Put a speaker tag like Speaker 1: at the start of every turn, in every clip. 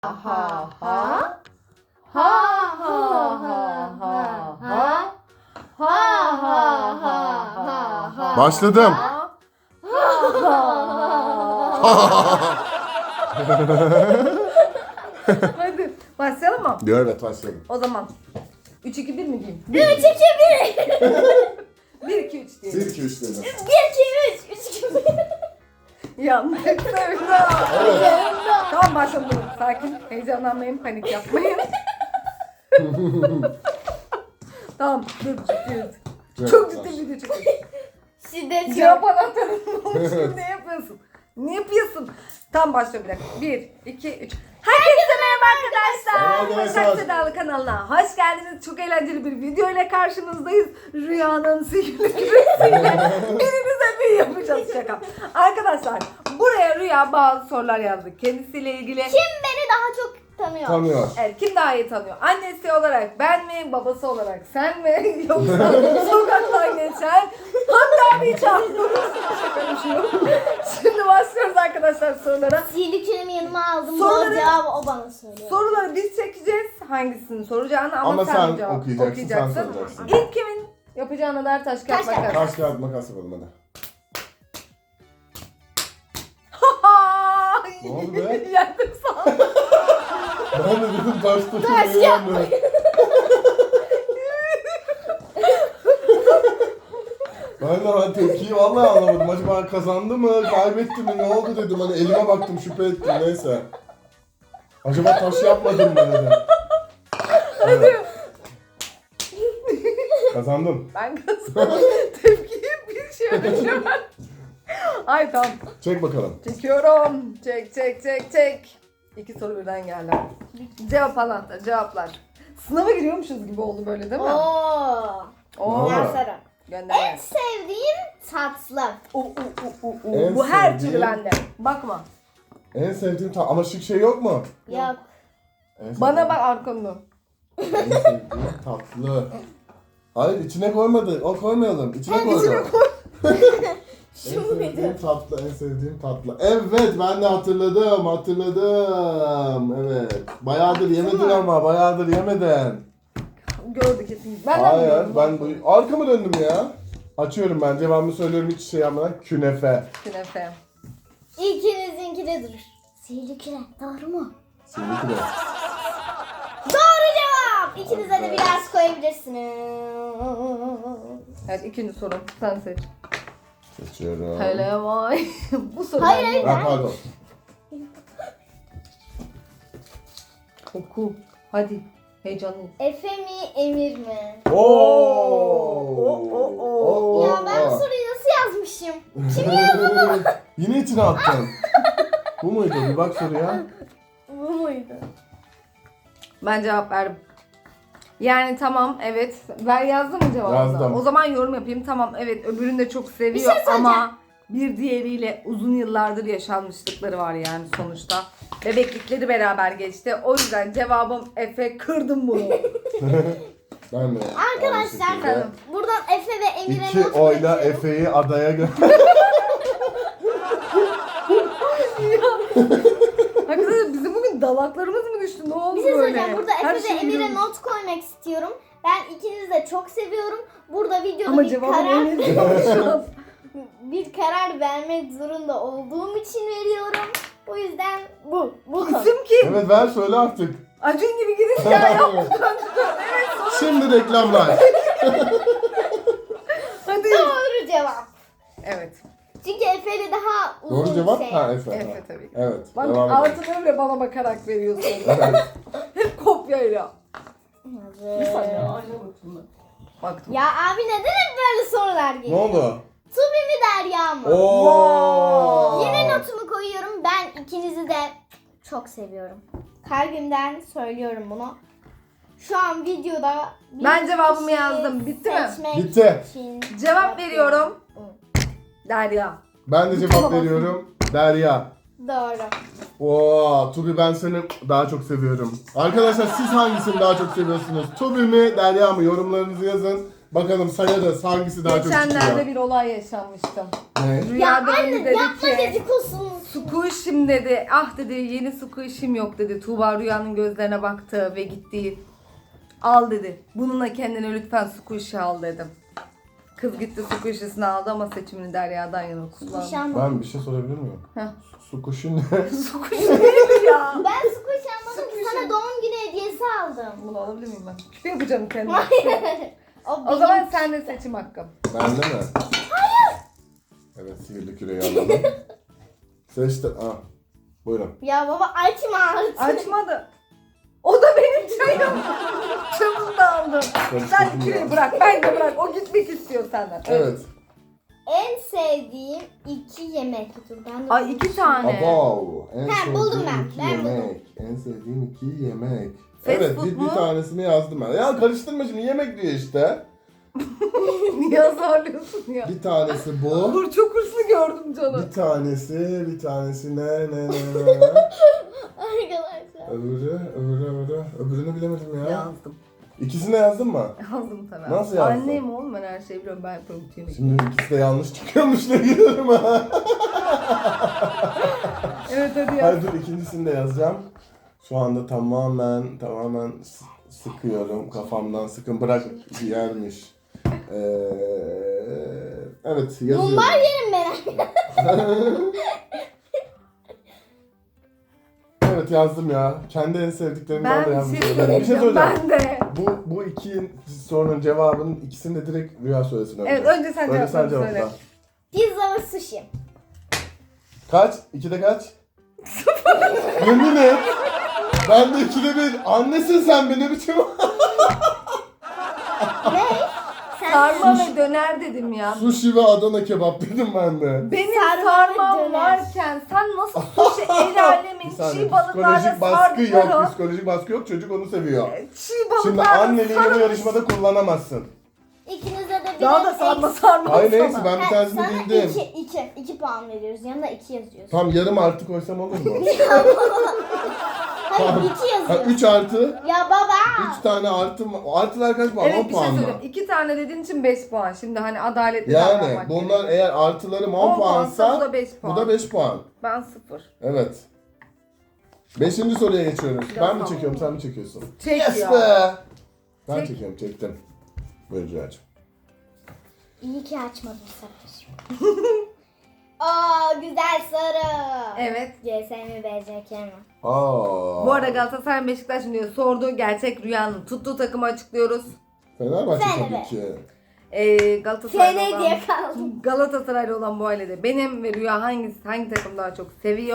Speaker 1: ha ha ha ha ha.
Speaker 2: Başladım.
Speaker 1: Hadi başlayalım mı?
Speaker 2: Evet başladım.
Speaker 1: O zaman 3 2 1 mi diyeyim?
Speaker 3: 3, 2, 1.
Speaker 1: 1 2 3 diyelim.
Speaker 2: 1 2 3 dedim.
Speaker 3: 1, 2, 3, 3, 2, 1.
Speaker 1: Yandık Sevda. Tamam başladım. Sakin. Heyecanlanmayın, panik yapmayın. Tamam dur ciddi. Çok ciddi video çekiyoruz.
Speaker 3: Şiddet
Speaker 1: Cevap
Speaker 3: yok.
Speaker 1: anahtarının oluşunu ne yapıyorsun? Ne yapıyorsun? Tam başlıyor bir dakika. 1, 2, 3. Herkese merhaba arkadaşlar.
Speaker 2: Merhaba
Speaker 1: Başak
Speaker 2: arkadaşlar.
Speaker 1: Sedalı kanalına hoş geldiniz. Çok eğlenceli bir video ile karşınızdayız. Rüyanın sihirli küresiyle birinize büyü yapacağız şaka. Arkadaşlar buraya Rüya bazı sorular yazdı. Kendisiyle ilgili.
Speaker 3: Kim beni daha çok tanıyor?
Speaker 2: Tanıyor.
Speaker 1: Evet, kim daha iyi tanıyor? Annesi olarak ben mi, babası olarak sen mi? Yoksa sokaktan geçen hatta bir çarptığımız şaka bir şey yok. Şimdi başlıyoruz arkadaşlar sorulara.
Speaker 3: Sihirli küremi yanıma aldım.
Speaker 1: Soruları-
Speaker 3: Bu cevabı o bana söylüyor.
Speaker 1: Soruları biz çekeceğiz. Hangisini soracağını ama,
Speaker 2: Ama
Speaker 1: sen
Speaker 2: sen
Speaker 1: cevap
Speaker 2: okuyacaksın, sen soracaksın.
Speaker 1: İlk kimin yapacağına der taş kağıt
Speaker 3: Taş kağıt.
Speaker 1: makas.
Speaker 2: Taş kağıt makas yapalım hadi. Ne oldu be?
Speaker 1: Yendim sana.
Speaker 2: Ben de dedim taş
Speaker 3: Taş
Speaker 2: taşı
Speaker 3: kağıt.
Speaker 2: Ben tepkiyi vallahi anlamadım. Acaba kazandı mı, kaybetti mi, ne oldu dedim. Hani elime baktım, şüphe ettim, neyse. Acaba taş yapmadım mı dedim. Evet. Kazandım.
Speaker 1: Ben kazandım. Tepkiyi bir şey ölçemem. Ay tamam.
Speaker 2: Çek bakalım.
Speaker 1: Çekiyorum. Çek. 2 soru birden geldi. Cevap anahtarı, cevaplar. Sınava giriyormuşuz gibi oldu böyle değil mi?
Speaker 3: Oo.
Speaker 1: Oo.
Speaker 2: Ne oldu?
Speaker 3: Derslerim.
Speaker 1: Gönder.
Speaker 3: En sevdiğim tatlı.
Speaker 2: En
Speaker 1: Bu her
Speaker 2: sevdiğim-
Speaker 1: türlü bende. Bakma.
Speaker 2: En sevdiğim ama şık şey yok mu?
Speaker 3: Yok.
Speaker 2: En sevdiğim-
Speaker 1: Bana bak arkamda.
Speaker 2: En sevdiğim tatlı. Hayır içine koymadı. O koymayalım. İçine koyalım. En
Speaker 3: Şu muydu?
Speaker 2: sevdiğim tatlı, en sevdiğim tatlı. Evet, ben de hatırladım. Evet. Bayağıdır yemedin ama, bayağıdır yemedin.
Speaker 1: Gördü kesin. Ben de
Speaker 2: Hayır,
Speaker 1: biliyorum.
Speaker 2: ben bu arkamı döndüm ya. Açıyorum ben, cevabımı söylüyorum hiç şey yapmadan. Künefe.
Speaker 1: Künefe.
Speaker 3: İkinizinki de durur. Sihirli küre. Doğru mu?
Speaker 2: Sivri küre.
Speaker 3: Doğru cevap. İkinize de biraz koyabilirsiniz.
Speaker 1: Evet ikinci sorum. Sen seç.
Speaker 2: Seçiyorum.
Speaker 1: Hele vay. Bu soru
Speaker 3: Hayır,
Speaker 1: bende.
Speaker 3: hayır.
Speaker 2: Ha, pardon.
Speaker 1: Oku. Hadi. Heyecanlıyım.
Speaker 3: Efe mi, Emir mi?
Speaker 2: Oo.
Speaker 3: Ya ben bu soruyu nasıl yazmışım? Kim yazdı bunu?
Speaker 2: Yine içine attın. Bu muydu? Bir bak soruya.
Speaker 3: Bu muydu?
Speaker 1: Ben cevap verdim. Yani tamam evet. Ben yazdım mı cevabını?
Speaker 2: Yazdım.
Speaker 1: O zaman yorum yapayım. Tamam evet öbürünü de çok seviyor
Speaker 3: Bir şey söyleyeceğim.
Speaker 1: ama bir diğeriyle uzun yıllardır yaşanmışlıkları var yani sonuçta. Bebeklikleri beraber geçti. O yüzden cevabım Efe, kırdım bunu.
Speaker 2: Ben de.
Speaker 3: Arkadaşlar
Speaker 2: aynı şekilde.
Speaker 3: buradan Efe ve Emir'e
Speaker 2: İki
Speaker 3: not
Speaker 2: oyla
Speaker 3: bırakıyorum.
Speaker 2: Efe'yi adaya
Speaker 1: Hakikaten bizim bugün dalaklarımız mı düştü? Ne oldu
Speaker 3: Bir şey
Speaker 1: böyle?
Speaker 3: söyleyeceğim. Burada
Speaker 1: Her
Speaker 3: Efe ve
Speaker 1: şeyi
Speaker 3: Emir'e
Speaker 1: biliyorum.
Speaker 3: not koymak istiyorum. Ben ikinizi de çok seviyorum. Burada videoda
Speaker 1: Ama
Speaker 3: bir
Speaker 1: cevabım
Speaker 3: karar
Speaker 1: Emir şu an.
Speaker 3: bir karar vermek zorunda olduğum için veriyorum. O yüzden bu konu.
Speaker 1: İsim kim?
Speaker 2: Evet ver söyle artık.
Speaker 1: Acun gibi giriş ya yaptı. Evet sonra.
Speaker 2: Şimdi reklamlar.
Speaker 1: Hadi.
Speaker 3: Doğru cevap.
Speaker 1: Evet.
Speaker 3: Çünkü Efe'yle daha uzun
Speaker 2: Doğru cevap?
Speaker 3: şey.
Speaker 2: Ha Efe.
Speaker 1: Efe tabii ki.
Speaker 2: Evet.
Speaker 1: Bak
Speaker 2: devam edelim.
Speaker 1: artı öyle bana bakarak veriyorsun.
Speaker 2: Evet.
Speaker 1: Hep kopyayla.
Speaker 3: Evet.
Speaker 1: Bir saniye ayrı bakayım. Baktım.
Speaker 3: Ya abi neden hep böyle sorular
Speaker 2: Ne
Speaker 3: geliyor?
Speaker 2: oldu?
Speaker 3: Tubi mi Derya mı?
Speaker 2: Oo.
Speaker 3: Yine notumu koyuyorum. Ben ikinizi de çok seviyorum. Kalbimden söylüyorum bunu. Şu an videoda bir
Speaker 1: Ben cevabımı
Speaker 3: kişiyi
Speaker 1: yazdım. Bitti mi?
Speaker 3: seçmek
Speaker 2: Bitti.
Speaker 3: için
Speaker 1: Cevap
Speaker 3: yapıyorum.
Speaker 1: veriyorum. Derya.
Speaker 2: Ben de cevap veriyorum. Derya.
Speaker 3: Doğru.
Speaker 2: Oo, Tubi ben seni daha çok seviyorum. Arkadaşlar siz hangisini daha çok seviyorsunuz? Tubi mi, Derya mı? Yorumlarınızı yazın. Bakalım sayarız hangisi daha çok
Speaker 1: Geçenlerde
Speaker 2: çıkıyor.
Speaker 1: bir olay yaşanmıştım.
Speaker 2: Ne?
Speaker 3: Ya
Speaker 1: Rüyada
Speaker 3: anne
Speaker 1: Emir dedi
Speaker 3: yapma
Speaker 1: ki.
Speaker 3: dedikodusunu
Speaker 1: Squish'im dedi. Ah dedi yeni squish'im yok dedi. Tuğba Rüya'nın gözlerine baktı ve gitti. Al dedi. Bununla kendine lütfen squish'i al dedim. Kız gitti squish'isini aldı ama seçimini Derya'dan yana kullandı.
Speaker 3: Nişan.
Speaker 2: Ben bir şey sorabilir miyim?
Speaker 1: Heh.
Speaker 2: Su kuşu ne?
Speaker 1: Squish neydi ya?
Speaker 3: Ben squish almadım. Sana doğum günü hediyesi aldım.
Speaker 1: Bunu alabilir miyim ben? Küpe yapacağım kendime.
Speaker 3: O
Speaker 1: O zaman sen de seçim hakkım.
Speaker 2: Bende mi? Hayır. Evet, sihirli küreyi alalım. Seçtim. Ah. Buyurun.
Speaker 3: Ya baba açma artık.
Speaker 1: Açmadı. O da benim çayım. Çabuk da aldım. Sen küreği bırak. Ben de bırak. O gitmek istiyor senden.
Speaker 2: Evet.
Speaker 3: En sevdiğim 2 yemek. Dur ben de
Speaker 1: Ay 2 tane.
Speaker 2: Abav. En
Speaker 3: Ha, buldum
Speaker 2: sevdiğim
Speaker 3: ben.
Speaker 2: iki
Speaker 3: Ben buldum.
Speaker 2: yemek. En sevdiğim 2 yemek.
Speaker 1: Fast
Speaker 2: Evet,
Speaker 1: food
Speaker 2: bir
Speaker 1: mu?
Speaker 2: tanesini yazdım ben. Ya karıştırma şimdi, yemek diyor işte.
Speaker 1: Niye azarlıyorsun ya?
Speaker 2: Bir tanesi bu.
Speaker 1: Dur çok hırslı gördüm canım.
Speaker 2: Bir tanesi ne?
Speaker 3: Arkadaşlar.
Speaker 2: Öbürünü bilemedim ya.
Speaker 1: Yazdım.
Speaker 2: İkisini yazdın mı?
Speaker 1: Yazdım tabii.
Speaker 2: Nasıl yazdın?
Speaker 1: Annem oğlum ben her şeyi biliyorum. Ben yapıyorum bütün yemekleri.
Speaker 2: Şimdi ikisi de yanlış çıkıyormuş ne giderim ha.
Speaker 1: Evet hadi yaz.
Speaker 2: Hayır dur, ikincisini de yazacağım. Şu anda tamamen sıkıyorum. Kafamdan sıkın, bırak yermiş. Evet yazıyorum.
Speaker 3: Mumbar yerim ben.
Speaker 2: Evet yazdım ya. Kendi en sevdiklerimden
Speaker 1: Ben
Speaker 2: de
Speaker 1: bir
Speaker 2: yazdım.
Speaker 1: şey
Speaker 2: Bir şey
Speaker 1: söyleyeceğim.
Speaker 2: söyleyeceğim.
Speaker 1: Ben de.
Speaker 2: Bu iki sorunun cevabının ikisini de direkt Rüya söylesin önce.
Speaker 1: Evet önce sen
Speaker 2: Önce sen
Speaker 1: cevaplarını söyle.
Speaker 2: cevapla.
Speaker 3: Pizza ve sushi.
Speaker 2: Kaç? 2'de kaç? Yemin et. Ben de 2'de 1. Annesin sen be, ne biçim?
Speaker 3: Ne? Sen
Speaker 1: Sarma ve döner dedim ya.
Speaker 2: Sushi ve Adana kebap dedim ben de.
Speaker 1: Benim
Speaker 3: Sarma ve
Speaker 1: sarmam
Speaker 3: döner.
Speaker 1: varken sen nasıl sushi el alemin
Speaker 2: Bir saniye,
Speaker 1: çiğ balıklarla
Speaker 2: psikolojik baskı yok.
Speaker 1: sardılar
Speaker 2: Psikolojik baskı yok. Çocuk onu seviyor.
Speaker 1: Çiğ
Speaker 2: Şimdi
Speaker 1: balıklarla
Speaker 2: anneliğini bu yarışmada kullanamazsın.
Speaker 3: ikinize de bir
Speaker 1: Daha da sarma
Speaker 2: Hayır neyse,
Speaker 1: sana.
Speaker 2: ben bir tanesini bildim.
Speaker 3: 2 puan veriyoruz. Yanına 2 yazıyorsun.
Speaker 2: Tam yarım artı koysam olur mu?
Speaker 3: Hayır 2
Speaker 2: Ha,
Speaker 3: yazıyorsun.
Speaker 2: 3 artı.
Speaker 3: Ya baba.
Speaker 2: 3 tane artı mı? Artılar kaç puan? 10
Speaker 1: Evet bir şey
Speaker 2: puan mı?
Speaker 1: söyleyeyim. 2 tane dediğin için 5 puan. Şimdi hani adaletli
Speaker 2: Yani
Speaker 1: davranmak
Speaker 2: bunlar
Speaker 1: gerekiyor.
Speaker 2: eğer artılarım 10
Speaker 1: 10 puansa
Speaker 2: puansa
Speaker 1: bu da 5 puan.
Speaker 2: bu da 5 puan.
Speaker 1: Ben 0.
Speaker 2: Evet. 5. soruya geçiyoruz.
Speaker 1: Ya
Speaker 2: Ben mi
Speaker 1: tamam.
Speaker 2: çekiyorum, sen mi çekiyorsun?
Speaker 1: Çek
Speaker 2: Yes
Speaker 1: ya.
Speaker 2: be! Ben
Speaker 1: Çek.
Speaker 2: çekiyorum, çektim. Buyur Rüyacığım.
Speaker 3: İyi ki açmadım sakın. Oo güzel soru.
Speaker 1: Evet.
Speaker 3: CSM mi BCK mi?
Speaker 2: Aa.
Speaker 1: Bu arada Galatasaray Beşiktaş diyor sorduğu gerçek rüyanın tuttuğu takımı açıklıyoruz.
Speaker 2: Fenerbahçe
Speaker 3: Fener.
Speaker 2: tabii ki.
Speaker 1: Galatasaraylı
Speaker 3: FN
Speaker 1: olan,
Speaker 3: diye kaldım.
Speaker 1: Galatasaraylı olan bu ailede benim ve Rüya hangi takım daha çok seviyor?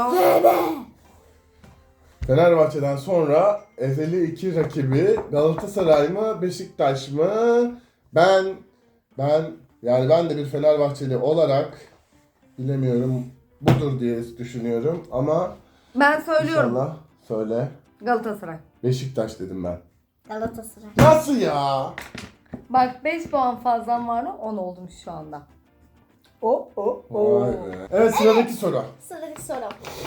Speaker 2: Fenerbahçe'den sonra ezeli 2 rakibi Galatasaray mı, Beşiktaş mı? Ben de bir Fenerbahçeli olarak bilemiyorum, budur diye düşünüyorum ama
Speaker 1: Ben söylüyorum.
Speaker 2: İnşallah söyle.
Speaker 1: Galatasaray.
Speaker 2: Beşiktaş dedim ben.
Speaker 3: Galatasaray.
Speaker 2: Nasıl ya?
Speaker 1: Bak 5 puan fazlam var mı? 10 oldum şu anda.
Speaker 2: Vay be. Evet, sıradaki soru.
Speaker 3: Sıradaki soru.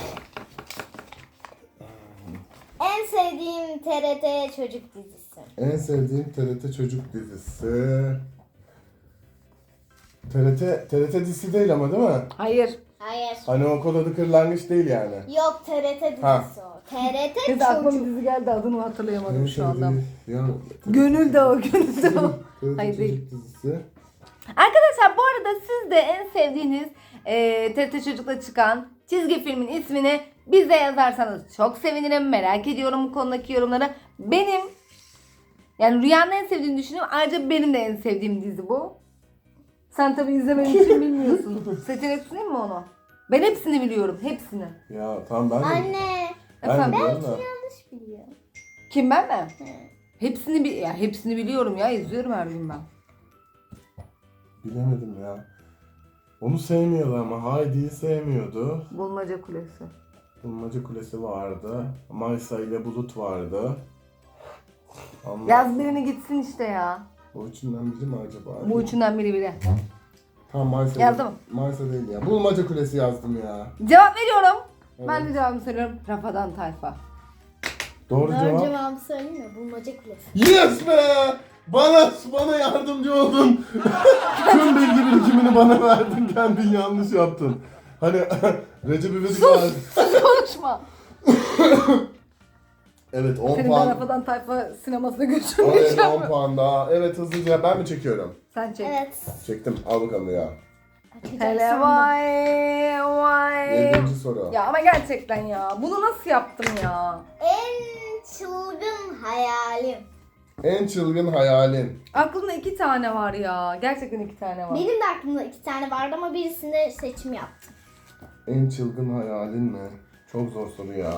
Speaker 3: En sevdiğim TRT çocuk dizisi.
Speaker 2: En sevdiğim TRT çocuk dizisi. TRT dizisi değil ama değil mi?
Speaker 1: Hayır.
Speaker 3: Hayır.
Speaker 2: Hani o kod adı kırlangıç değil yani.
Speaker 3: Yok TRT dizisi
Speaker 2: Ha.
Speaker 3: o. TRT
Speaker 1: Kız aklıma bir
Speaker 3: çocuk.
Speaker 1: dizi geldi adını hatırlayamadım şu anda.
Speaker 2: Ya,
Speaker 1: Gönül de o, gönül de o.
Speaker 2: TRT
Speaker 1: Hayır,
Speaker 2: çocuk
Speaker 1: değil.
Speaker 2: dizisi.
Speaker 1: Arkadaşlar bu arada siz de en sevdiğiniz TRT Çocuk'ta çıkan çizgi filmin ismini bize yazarsanız çok sevinirim. Merak ediyorum bu konudaki yorumları. Benim yani Rüya'nın en sevdiğini düşünüyorum. Ayrıca benim de en sevdiğim dizi bu. Sen tabii izlemediğin için bilmiyorsun. Seçenek sunayım mı onu? Ben hepsini biliyorum. Hepsini.
Speaker 2: Ya tamam, ben de.
Speaker 3: Anne.
Speaker 2: Ben
Speaker 1: Efendim?
Speaker 2: de biliyorum da.
Speaker 3: Yanlış biliyor.
Speaker 1: Kim ben mi? Hepsini biliyorum ya. İzliyorum her gün ben.
Speaker 2: Bilemedim ya. Onu sevmiyordu ama Heidi'yi sevmiyordu.
Speaker 1: Bulmaca Kulesi.
Speaker 2: Bulmaca Kulesi vardı. Maysa ile Bulut vardı. Ama
Speaker 1: Yaz birini gitsin işte ya.
Speaker 2: bu üçünden biri mi acaba?
Speaker 1: Bu üçünden biri.
Speaker 2: Tamam, Maysa.
Speaker 1: Yazdın mı?
Speaker 2: Maysa değil ya. Bulmaca Kulesi yazdım ya.
Speaker 1: Cevap veriyorum.
Speaker 2: Evet.
Speaker 1: Ben de cevabımı söylüyorum. Rafadan Tayfa.
Speaker 2: Doğru
Speaker 3: Doğru
Speaker 2: cevap.
Speaker 3: cevabı söyleyeyim mi? Bulmaca kulesi.
Speaker 2: Yes be! Bana yardımcı oldun. Tüm bilgi birikimini bana verdin. Kendin yanlış yaptın. Hani Recep İvedik var.
Speaker 1: Konuşma.
Speaker 2: Evet 10
Speaker 1: Seni ben
Speaker 2: puan.
Speaker 1: Rafadan Tayfa sinemasına
Speaker 2: Oraya
Speaker 1: götürmeyeceğim.
Speaker 2: 10 puan daha. Evet hızlıca ben mi çekiyorum?
Speaker 1: Sen çek.
Speaker 3: Evet.
Speaker 2: Çektim. Al bakalım ya.
Speaker 1: Hele vay vay.
Speaker 2: 7. soru.
Speaker 1: Ya ama gerçekten ya. Bunu nasıl yaptım ya?
Speaker 3: En çılgın hayalim.
Speaker 2: En çılgın hayalin.
Speaker 1: Aklımda 2 tane var ya. Gerçekten 2 tane var.
Speaker 3: Benim de aklımda 2 tane vardı ama birisinde seçim yaptım.
Speaker 2: En çılgın hayalin mi? Çok zor soru ya.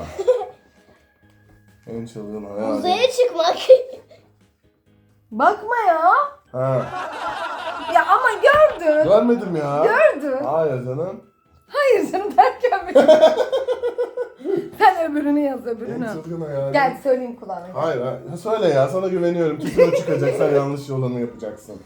Speaker 2: En çılgın hayalin.
Speaker 3: Uzaya çıkmak.
Speaker 1: Bakma ya.
Speaker 2: Ha.
Speaker 1: Ya ama gördün.
Speaker 2: Görmedim ya.
Speaker 1: Gördün.
Speaker 2: Hayır canım.
Speaker 1: Hayır canım derken benim. Sen öbürünü yaz
Speaker 2: En
Speaker 1: öbürünü.
Speaker 2: çılgın hayalin.
Speaker 1: Gel söyleyeyim kulağına.
Speaker 2: Hayır, hayır. Söyle ya, sana güveniyorum. Kesin o çıkacak, sen yanlış olanı yapacaksın.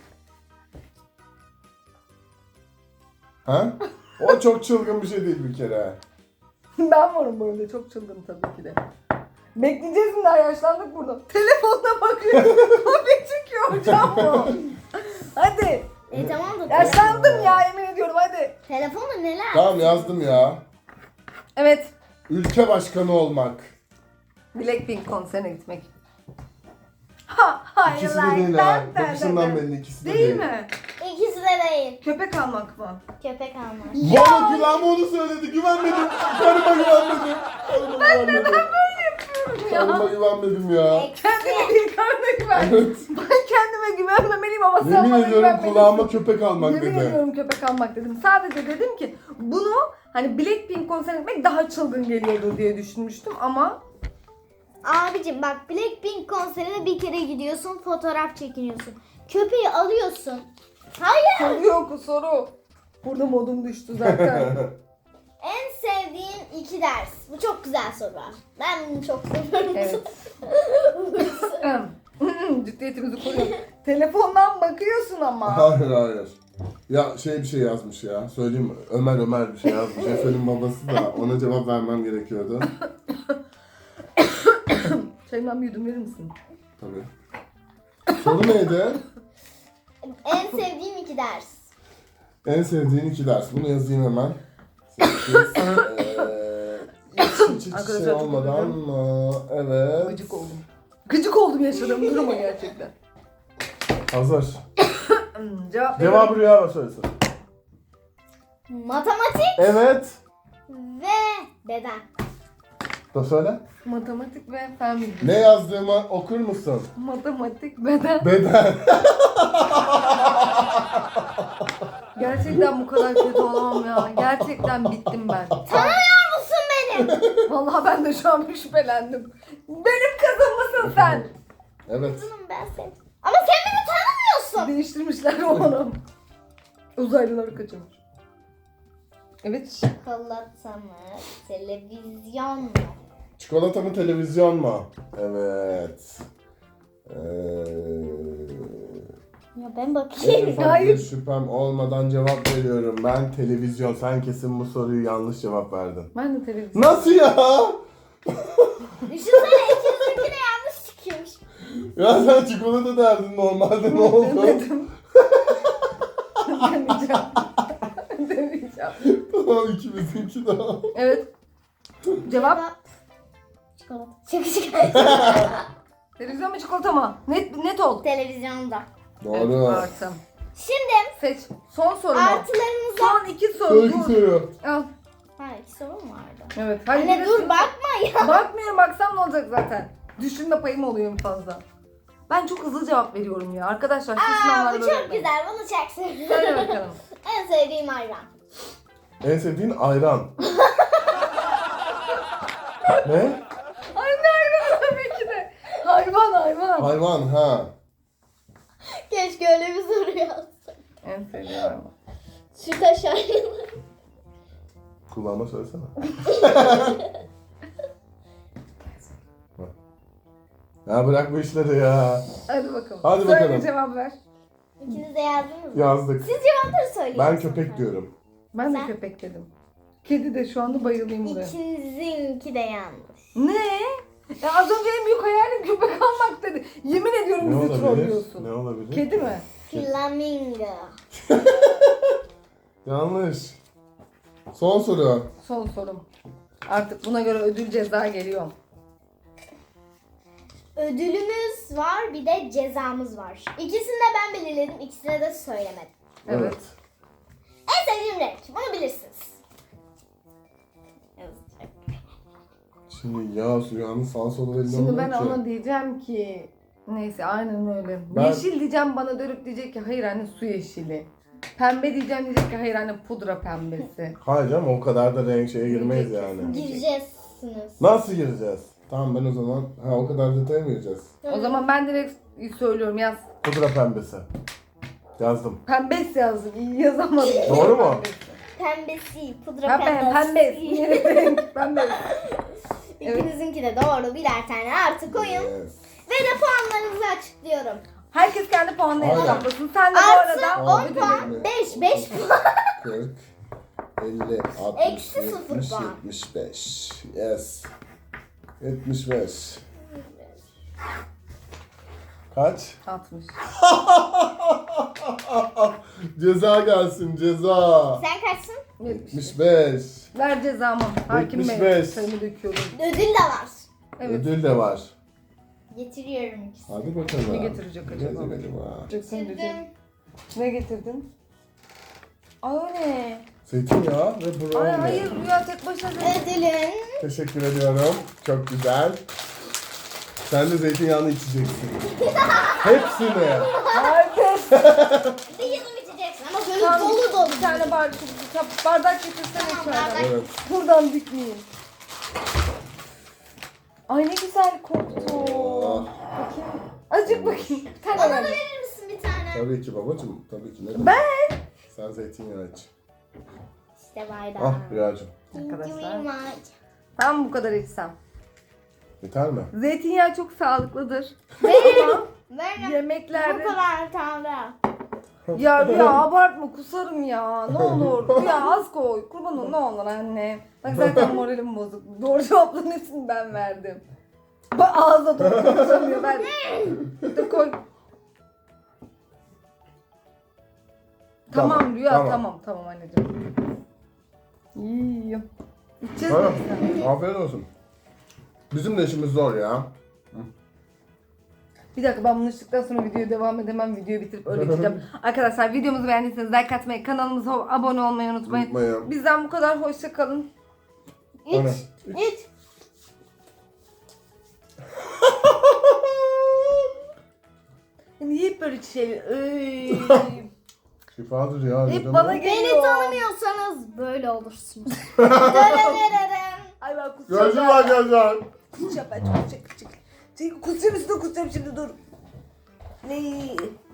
Speaker 2: Ha? O çok çılgın bir şey değil bir kere.
Speaker 1: Ben varım bu arada, çok çılgın tabii ki de. Bekleyeceğiz mi, daha yaşlandık burada. Telefonuna bakıyor. Kopya çekiyor hocam bu. Hadi.
Speaker 3: Tamam da
Speaker 1: Yaşlandım ya, yemin ediyorum, hadi.
Speaker 3: telefonda neler?
Speaker 2: Tamam yazdım ya.
Speaker 1: Evet.
Speaker 2: Ülke başkanı olmak.
Speaker 1: Blackpink konserine gitmek. Ha, hayır.
Speaker 2: İkisi de değil ha. Bakışından belli, ikisi de değil.
Speaker 1: Değil mi?
Speaker 3: İkisi de değil.
Speaker 1: Köpek almak mı?
Speaker 3: Köpek almak.
Speaker 2: Bana kulağıma onu söyledi, güvenmedim. Karıma güvenmedim. Ben neden
Speaker 1: böyle yapıyorum ya?
Speaker 2: Karıma güvenmedim ya.
Speaker 1: Kendime değil, karnına güven.
Speaker 2: Evet.
Speaker 1: Ben kendime güvenmemeliyim ama sen
Speaker 2: Yemin
Speaker 1: bana
Speaker 2: ediyorum
Speaker 1: güvenmelisin.
Speaker 2: kulağıma köpek almak
Speaker 1: Yemin
Speaker 2: dedi.
Speaker 1: ediyorum köpek almak dedim. Sadece dedim ki bunu hani Blackpink konserine gitmek daha çılgın geliyordur diye düşünmüştüm ama
Speaker 3: Abicim bak, Blackpink konserine bir kere gidiyorsun, fotoğraf çekiniyorsun. Köpeği alıyorsun. Hayır.
Speaker 1: soru yok soru. Burada modum düştü zaten.
Speaker 3: En sevdiğin 2 ders. Bu çok güzel soru. Ben bunu çok seviyorum.
Speaker 1: Evet. Ciddiyetimizi koruyorum. Telefondan bakıyorsun ama.
Speaker 2: Hayır hayır. Ya bir şey yazmış ya. Söyleyeyim mi? Ömer bir şey yazmış. Efe'nin babası da, ona cevap vermem gerekiyordu.
Speaker 1: Çayından bir yudum verir misin?
Speaker 2: Tabii. Soru neydi?
Speaker 3: En sevdiğim 2 ders.
Speaker 2: En sevdiğin 2 ders. Bunu yazayım hemen. Hiç
Speaker 1: Arkadaşlar
Speaker 2: şey
Speaker 1: çok
Speaker 2: olmadan mı? Evet.
Speaker 1: Gıcık oldum. Gıcık oldum yaşadığım duruma gerçekten.
Speaker 2: Hazır.
Speaker 1: Cevap
Speaker 2: Cevabı Rüya söylesin.
Speaker 3: Matematik
Speaker 2: Evet.
Speaker 3: ve beden.
Speaker 2: Da söyle.
Speaker 1: Matematik ve fen bilgisi.
Speaker 2: Ne yazdığımı okur musun?
Speaker 1: Matematik, beden.
Speaker 2: Beden.
Speaker 1: Gerçekten bu kadar kötü olamam ya. Gerçekten bittim ben.
Speaker 3: Tanımıyor musun beni?
Speaker 1: Vallahi ben de şu an bir şüphelendim. Benim kızım mısın sen?
Speaker 2: Evet.
Speaker 3: Kızım ben seni. Ama sen beni tanımıyorsun.
Speaker 1: Değiştirmişler onu. Uzaylıları kaçırmış. Evet.
Speaker 3: Çikolata mı? Televizyon mu?
Speaker 2: Çikolata mı televizyon mu? Evet.
Speaker 3: Ya ben
Speaker 2: En
Speaker 3: bakayım.
Speaker 2: ufak bir
Speaker 1: Hayır.
Speaker 2: şüphem olmadan cevap veriyorum. Ben televizyon. Sen kesin bu soruyu yanlış cevap verdin.
Speaker 1: Ben de televizyon.
Speaker 2: Nasıl ya?
Speaker 3: Düşünsene, ikinizinki de yanlış çıkıyormuş.
Speaker 2: Ya sen çikolata derdin normalde, ne oldu?
Speaker 1: Demedim. Demeyeceğim. Demeyeceğim.
Speaker 2: Tamam, ikimizinki daha.
Speaker 1: Evet. Cevap
Speaker 3: Çikolata. Çikolata.
Speaker 1: televizyon mu çikolata mı? Net ol.
Speaker 3: Televizyonda.
Speaker 2: Doğru.
Speaker 1: Artı.
Speaker 3: Şimdi
Speaker 1: Seç. Son soru mu?
Speaker 3: artılarımıza...
Speaker 1: Son 2 soru.
Speaker 2: Sonraki
Speaker 1: Dur.
Speaker 2: soru.
Speaker 1: Al.
Speaker 3: Ha, 2 soru mu vardı?
Speaker 1: Evet. Hadi
Speaker 3: Anne
Speaker 1: bir
Speaker 3: dur
Speaker 1: de-
Speaker 3: bakma ya.
Speaker 1: Bakmıyorum, baksam ne olacak zaten. Düşünme payım oluyor en fazla. Ben çok hızlı cevap veriyorum ya. Arkadaşlar siz
Speaker 3: Aa,
Speaker 1: sınavlarda
Speaker 3: bu
Speaker 1: böyle
Speaker 3: çok
Speaker 1: yapmayın.
Speaker 3: güzel. Bunu çok seviyorum.
Speaker 1: Söyle bakalım.
Speaker 3: En sevdiğim ayran.
Speaker 2: En sevdiğin ayran. Ne?
Speaker 1: Ay ne hayvan tabii ki de. Hayvan hayvan.
Speaker 2: Hayvan ha.
Speaker 3: Keşke öyle bir soru yazsak.
Speaker 1: En sevdiğim hayvan.
Speaker 3: Şu taş ayranı.
Speaker 2: Kulağıma söylesene. Ya bırak bu işleri ya.
Speaker 1: Hadi bakalım.
Speaker 2: Hadi
Speaker 1: Söyle,
Speaker 2: bakalım.
Speaker 1: cevap ver.
Speaker 3: İkiniz de yazdınız mı?
Speaker 2: Yazdık.
Speaker 3: Siz cevapları söyleyin.
Speaker 2: Ben köpek diyorum.
Speaker 1: Ben de
Speaker 3: Sen?
Speaker 1: köpek dedim. Kedi de şu anda bayılayım buraya.
Speaker 3: İkinizinki de yanlış.
Speaker 1: Ne? Ya az önce en büyük hayalim köpek almak dedi. Yemin ediyorum
Speaker 2: Ne
Speaker 1: bizi
Speaker 2: olabilir?
Speaker 1: trollüyorsun.
Speaker 2: Ne olabilir?
Speaker 1: Kedi mi?
Speaker 3: Flamingo.
Speaker 2: Yanlış. Son soru.
Speaker 1: Son sorum. Artık buna göre ödül ceza geliyor.
Speaker 3: Ödülümüz var, bir de cezamız var. İkisini de ben belirledim, ikisine de söylemedim.
Speaker 1: Evet.
Speaker 3: En sevdiğim renk, bunu bilirsiniz.
Speaker 2: Şimdi ya Rüya'nın sağ solu belli
Speaker 1: Şimdi
Speaker 2: olmuyor
Speaker 1: ben
Speaker 2: ki.
Speaker 1: ona diyeceğim ki neyse aynen öyle.
Speaker 2: Ben-
Speaker 1: Yeşil diyeceğim, bana dönüp diyecek ki hayır anne su yeşili. Pembe diyeceğim, diyecek ki hayır anne pudra pembesi.
Speaker 2: Hayır canım o kadar da renk şeye girmeyiz yani.
Speaker 3: Gireceksiniz.
Speaker 2: Nasıl gireceğiz? Tamam ben o zaman o kadar detaya mı gireceğiz?
Speaker 1: O zaman ben direkt söylüyorum, yaz.
Speaker 2: Pudra pembesi. Yazdım.
Speaker 1: Pembes yazdım, iyi yazamadım.
Speaker 2: Doğru mu?
Speaker 3: Pembesi, pudra
Speaker 1: Pembe,
Speaker 3: pembesi.
Speaker 1: pembes. Pembes.
Speaker 3: İkinizinki de doğru, birer tane artı koyun.
Speaker 2: Yes.
Speaker 3: Ve de puanlarınızı açıklıyorum.
Speaker 1: Herkes kendi puanlarını
Speaker 2: Aynen.
Speaker 1: hesaplasın. Sen de bu
Speaker 3: Artı
Speaker 1: arada
Speaker 3: 10 puan, 5 puan.
Speaker 2: 40, 50, 60,
Speaker 3: Eksi 0
Speaker 2: 70,
Speaker 3: puan.
Speaker 2: 75. Yes. 75. Kaç?
Speaker 1: 60.
Speaker 2: Ceza gelsin ceza.
Speaker 3: Sen kaçsın?
Speaker 2: 75.
Speaker 1: Ver cezamı. Hakim Bey.
Speaker 2: 75.
Speaker 1: Sayımı döküyorum.
Speaker 3: Ödül de var.
Speaker 1: Evet.
Speaker 2: Ödül de var.
Speaker 3: Getiriyorum ikisini.
Speaker 2: Hadi bakalım.
Speaker 1: Ne getirecek acaba?
Speaker 2: Ne getirelim ha?
Speaker 1: Çıksın
Speaker 3: Getirdim.
Speaker 1: diyeceğim. Ne getirdin? Ay o ne?
Speaker 2: Zeytinyağı ve brownie.
Speaker 1: Ay hayır, Rüya tek başına
Speaker 3: Ödülün
Speaker 2: Teşekkür ediyorum. Çok güzel. Sen de zeytinyağını içeceksin. Hepsini.
Speaker 1: Herkes.
Speaker 3: bir yudum içeceksin ama böyle
Speaker 1: Tamam,
Speaker 3: dolu dolu.
Speaker 1: bir tane bardak getirsene
Speaker 3: Tamam,
Speaker 1: içeriden.
Speaker 3: bardak.
Speaker 2: Evet.
Speaker 1: Buradan dikmeyin. Ay ne güzel koktu.
Speaker 2: Oh.
Speaker 1: Bakayım. Azıcık bakayım. Bir tane
Speaker 3: Bana da
Speaker 1: ver.
Speaker 3: verir misin bir tane?
Speaker 2: Tabii ki babacığım. Tabii ki. Ne demek?
Speaker 1: Ben.
Speaker 2: Sen zeytinyağı iç.
Speaker 3: İşte bardak.
Speaker 2: Ah Rüyacığım.
Speaker 3: Thank you
Speaker 1: Arkadaşlar.
Speaker 3: very much.
Speaker 1: Tam bu kadar içsem.
Speaker 2: Yeter mi?
Speaker 1: Zeytinyağı çok sağlıklıdır. Ama
Speaker 3: Ver. Bu
Speaker 1: yemeklerde...
Speaker 3: kadar tane.
Speaker 1: Ya Rüya abartma, kusarım ya. Ne olur. Rüya az koy. Kurban ol, ne olur anne. Bak zaten moralim bozuk. Doğru cevapların hepsini ben verdim. Bak ağza doğru konuşamıyor ben. Dur koy. Tamam Rüya, tamam anneciğim. İyi. İçeceğiz mi
Speaker 2: Tamam.
Speaker 1: sen?
Speaker 2: Afiyet olsun. Bizim de işimiz zor ya.
Speaker 1: Bir dakika, ben bunu içtikten sonra videoya devam edemem. Videoyu bitirip öyle gideceğim. Arkadaşlar videomuzu beğendiyseniz like atmayı, kanalımıza abone olmayı unutmayın.
Speaker 2: Unutmayın.
Speaker 1: Bizden bu kadar, hoşça kalın.
Speaker 2: Aynen.
Speaker 3: İç. İç.
Speaker 1: Niye hep böyle şey?
Speaker 2: Şifadır ya.
Speaker 1: Hep
Speaker 2: dedim
Speaker 1: bana
Speaker 2: ya.
Speaker 1: geliyor.
Speaker 3: Beni tanımıyorsanız böyle olursunuz. Dönerim.
Speaker 1: Ay ben kusacağım.
Speaker 2: Gördün mü arkadaşlar?
Speaker 1: Kusacağım ben, kusacağım. Kusacağım üstüne kusacağım şimdi, dur. Ne?